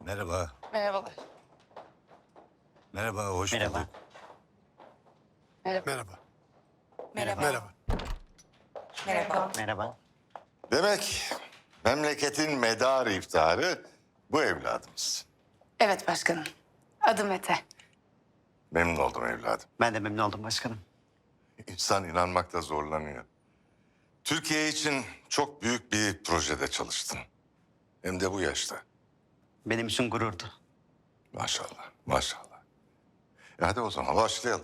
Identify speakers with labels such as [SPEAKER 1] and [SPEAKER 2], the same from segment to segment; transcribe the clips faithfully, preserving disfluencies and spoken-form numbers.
[SPEAKER 1] Merhaba.
[SPEAKER 2] Merhabalar.
[SPEAKER 1] Merhaba, hoş
[SPEAKER 3] Merhaba.
[SPEAKER 1] bulduk.
[SPEAKER 2] Merhaba.
[SPEAKER 4] Merhaba.
[SPEAKER 2] Merhaba.
[SPEAKER 4] Merhaba.
[SPEAKER 2] Merhaba.
[SPEAKER 3] Merhaba.
[SPEAKER 5] Demek memleketin medarı iftiharı bu evladımız.
[SPEAKER 2] Evet başkanım. Adım Mete.
[SPEAKER 5] Memnun oldum evladım.
[SPEAKER 3] Ben de memnun oldum başkanım.
[SPEAKER 5] İnsan inanmakta zorlanıyor. Türkiye için çok büyük bir projede çalıştın. Hem de bu yaşta.
[SPEAKER 3] Benim için gururdu.
[SPEAKER 5] Maşallah, maşallah. E hadi o zaman başlayalım.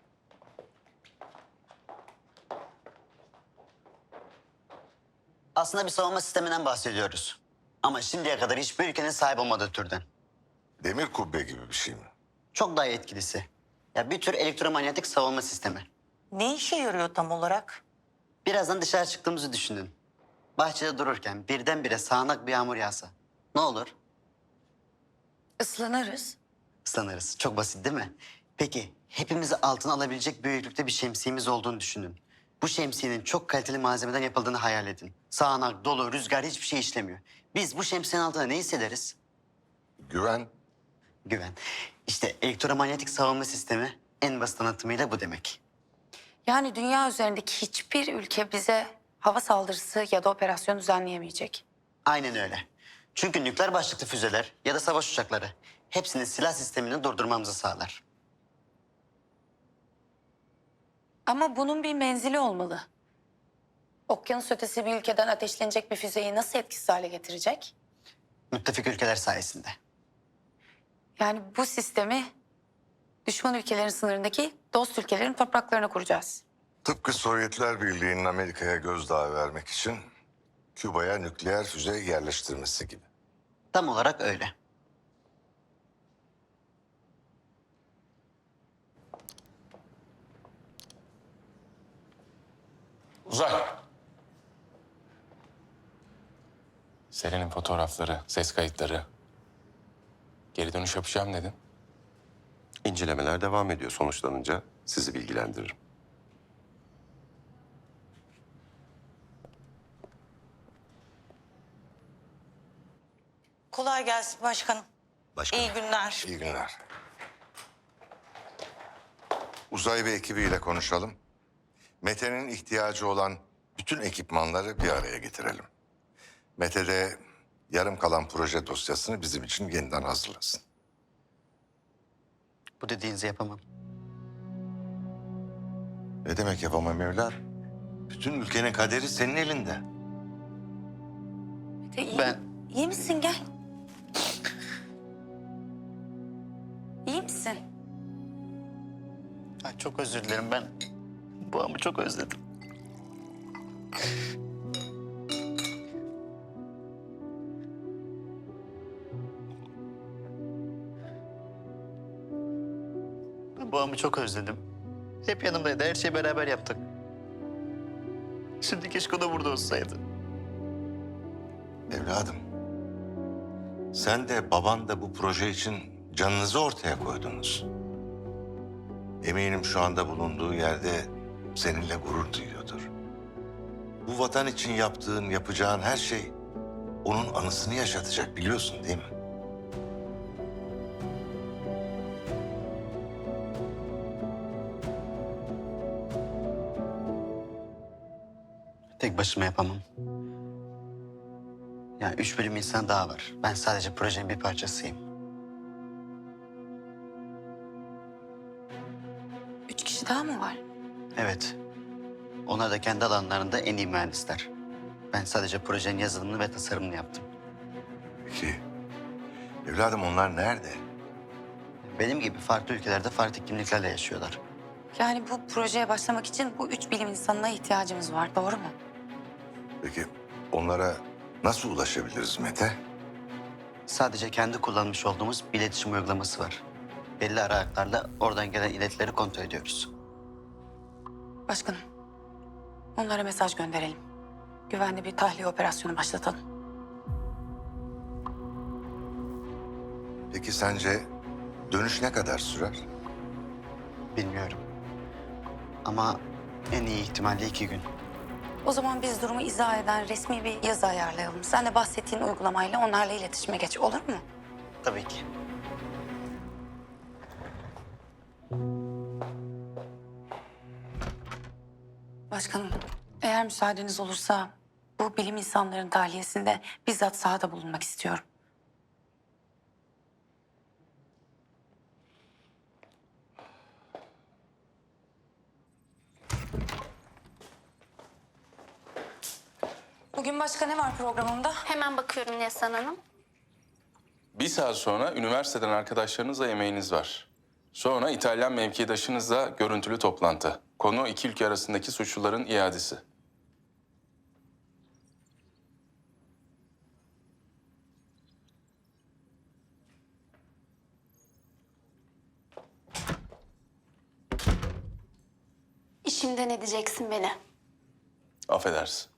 [SPEAKER 3] Aslında bir savunma sisteminden bahsediyoruz. Ama şimdiye kadar hiçbir ülkenin sahip olmadığı türden.
[SPEAKER 5] Demir kubbe gibi bir şey mi?
[SPEAKER 3] Çok daha etkilisi. Ya bir tür elektromanyetik savunma sistemi.
[SPEAKER 6] Ne işe yarıyor tam olarak?
[SPEAKER 3] Birazdan dışarı çıktığımızı düşünün. Bahçede dururken birdenbire sağanak bir yağmur yağsa. Ne olur?
[SPEAKER 2] Islanırız.
[SPEAKER 3] Islanırız. Çok basit değil mi? Peki hepimizi altına alabilecek büyüklükte bir şemsiyemiz olduğunu düşünün. Bu şemsiyenin çok kaliteli malzemeden yapıldığını hayal edin. Sağanak, dolu, rüzgar hiçbir şey işlemiyor. Biz bu şemsiyenin altında ne hissederiz?
[SPEAKER 5] Güven.
[SPEAKER 3] Güven. İşte elektromanyetik savunma sistemi en basit anlatımıyla bu demek.
[SPEAKER 2] Yani dünya üzerindeki hiçbir ülke bize hava saldırısı ya da operasyon düzenleyemeyecek.
[SPEAKER 3] Aynen öyle. Çünkü nükleer başlıklı füzeler ya da savaş uçakları hepsinin silah sistemini durdurmamızı sağlar.
[SPEAKER 2] Ama bunun bir menzili olmalı. Okyanus ötesi bir ülkeden ateşlenecek bir füzeyi nasıl etkisiz hale getirecek?
[SPEAKER 3] Müttefik ülkeler sayesinde.
[SPEAKER 2] Yani bu sistemi düşman ülkelerin sınırındaki dost ülkelerin topraklarına kuracağız.
[SPEAKER 5] Tıpkı Sovyetler Birliği'nin Amerika'ya gözdağı vermek için Küba'ya nükleer füze yerleştirmesi gibi.
[SPEAKER 3] Tam olarak öyle.
[SPEAKER 7] Uzay. Selin'in fotoğrafları, ses kayıtları. Geri dönüş yapacağım dedin.
[SPEAKER 8] İncelemeler devam ediyor. Sonuçlanınca sizi bilgilendiririm.
[SPEAKER 6] Kolay gelsin başkanım.
[SPEAKER 1] Başkanım.
[SPEAKER 6] İyi günler.
[SPEAKER 5] İyi günler. Uzay ve ekibiyle konuşalım. Mete'nin ihtiyacı olan bütün ekipmanları bir araya getirelim. Mete de yarım kalan proje dosyasını bizim için yeniden hazırlasın.
[SPEAKER 3] Bu dediğinizi yapamam.
[SPEAKER 5] Ne demek yapamam evlat? Bütün ülkenin kaderi senin elinde.
[SPEAKER 2] Mete iyi,
[SPEAKER 3] Ben-
[SPEAKER 2] iyi misin? Gel. İyi misin?
[SPEAKER 3] Ay, çok özür dilerim ben. Bu anı çok özledim. Ben bu anı çok özledim. Hep yanımdaydı. Her şeyi beraber yaptık. Şimdi keşke o da burada olsaydı.
[SPEAKER 5] Evladım, sen de baban da bu proje için canınızı ortaya koydunuz. Eminim şu anda bulunduğu yerde seninle gurur duyuyordur. Bu vatan için yaptığın, yapacağın her şey onun anısını yaşatacak, biliyorsun değil mi?
[SPEAKER 3] Tek başıma yapamam. Yani üç bölüm insan daha var. Ben sadece projenin bir parçasıyım.
[SPEAKER 2] Üç kişi daha mı var?
[SPEAKER 3] Evet. Onlar da kendi alanlarında en iyi mühendisler. Ben sadece projenin yazılımını ve tasarımını yaptım.
[SPEAKER 5] Peki, evladım onlar nerede?
[SPEAKER 3] Benim gibi farklı ülkelerde farklı kimliklerle yaşıyorlar.
[SPEAKER 2] Yani bu projeye başlamak için bu üç bilim insanına ihtiyacımız var. Doğru mu?
[SPEAKER 5] Peki onlara nasıl ulaşabiliriz Mete?
[SPEAKER 3] Sadece kendi kullanmış olduğumuz bir iletişim uygulaması var. Belli aralıklarla oradan gelen iletileri kontrol ediyoruz.
[SPEAKER 2] Başkanım, onlara mesaj gönderelim. Güvenli bir tahliye operasyonu başlatalım.
[SPEAKER 5] Peki sence dönüş ne kadar sürer?
[SPEAKER 3] Bilmiyorum. Ama en iyi ihtimalle iki gün.
[SPEAKER 2] O zaman biz durumu izah eden resmi bir yazı ayarlayalım. Sen de bahsettiğin uygulamayla onlarla iletişime geç, olur mu?
[SPEAKER 3] Tabii ki.
[SPEAKER 2] Başkanım, eğer müsaadeniz olursa bu bilim insanların tahliyesinde bizzat sahada bulunmak istiyorum. Bugün başka ne var programımda?
[SPEAKER 1] Hemen bakıyorum Neslihan Hanım.
[SPEAKER 7] Bir saat sonra üniversiteden arkadaşlarınızla yemeğiniz var. Sonra İtalyan mevkidaşınızla görüntülü toplantı. Konu iki ülke arasındaki suçluların iadesi.
[SPEAKER 1] İşimden edeceksin beni.
[SPEAKER 7] Affedersin.